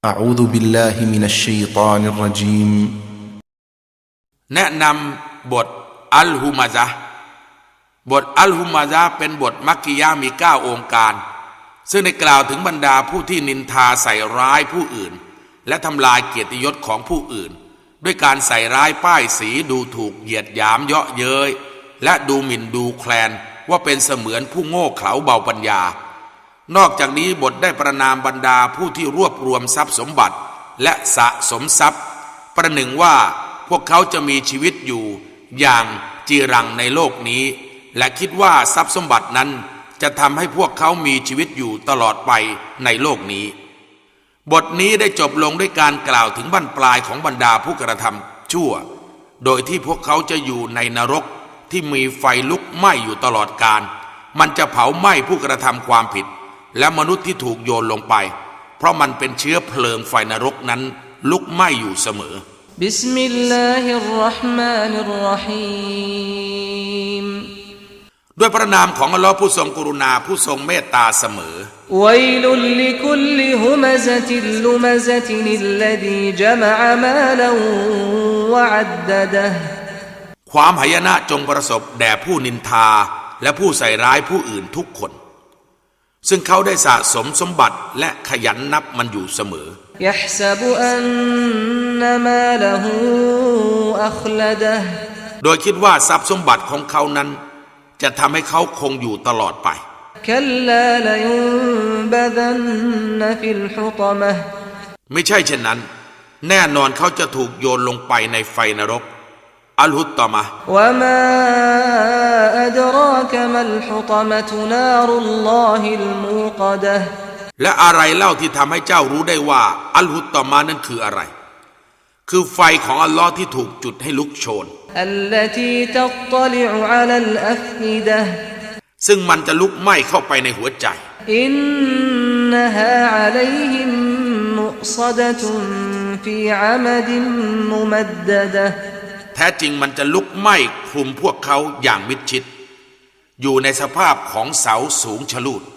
أعوذ بالله من الشيطان الرجيم แนะนำบทอัลฮุมาซะห์บทอัลฮุมาซะห์เป็นบทมักกิยะห์มี9องค์การซึ่งได้กล่าวถึงบรรดาผู้ที่นินทาใส่ร้ายผู้อื่นและทำลายเกียรติยศของผู้อื่นด้วยการใส่ร้ายป้ายสีดูถูกเหยียดหยามเยาะเย้ยและดูหมิ่นดูแคลนว่าเป็นเสมือนผู้โง่เขลาเบาปัญญานอกจากนี้บทได้ประนามบรรดาผู้ที่รวบรวมทรัพย์สมบัติและสะสมทรัพย์ประหนึ่งว่าพวกเขาจะมีชีวิตอยู่อย่างจีรังในโลกนี้และคิดว่าทรัพย์สมบัตินั้นจะทำให้พวกเขามีชีวิตอยู่ตลอดไปในโลกนี้บทนี้ได้จบลงด้วยการกล่าวถึงบั้นปลายของบรรดาผู้กระทำชั่วโดยที่พวกเขาจะอยู่ในนรกที่มีไฟลุกไหม้อยู่ตลอดกาลมันจะเผาไหม้ผู้กระทำความผิดและมนุษย์ที่ถูกโยนลงไปเพราะมันเป็นเชื้อเพลิงไฟนรกนั้นลุกไหม้อยู่เสมอบิสมิลลาฮิรเราะห์มานิรเราะฮีมด้วยพระนามของอัลลอฮ์ผู้ทรงกรุณาผู้ทรงเมตตาเสมอวัยลุลลิคุลลิฮุมะซะติลลุมะซะตินิลลซีญะมะอะมาลันวะอัดดะดะฮ์ความหายนะจงประสบแด่ผู้นินทาและผู้ใส่ร้ายผู้อื่นทุกคนซึ่งเขาได้สะสมสมบัติและขยันนับมันอยู่เสมอยะฮ์ซะบุอันนะมาละฮูอัคละดะฮ์โดยคิดว่าทรัพย์สมบัติของเขานั้นจะทำให้เขาคงอยู่ตลอดไปคัลลาลยุนบะดันนะฟิลฮุตมะฮ์ไม่ใช่เช่นนั้นแน่นอนเขาจะถูกโยนลงไปในไฟนรกอัลฮุตตะมะฮ์วะมาอัดรากะมัลฮุตมะตุนารุลลอฮิลมูกะดะฮ์และอะไรเล่าที่ทำให้เจ้ารู้ได้ว่าอัลฮุตตะมะฮ์นั้นคืออะไรคือไฟของอัลลอฮ์ที่ถูกจุดให้ลุกโชนอัลลตีตัตตลิอุอะลัลอัฟอิดะฮ์ซึ่งมันจะลุกไหม้เข้าไปในหัวใจอินนะฮาอะลัยฮิมมุศดะตุนฟีอะมดินมุมัดดะดะฮ์แท้จริงมันจะลุกไหม้คลุมพวกเขาอย่างมิดชิดอยู่ในสภาพของเสาสูงชะลูด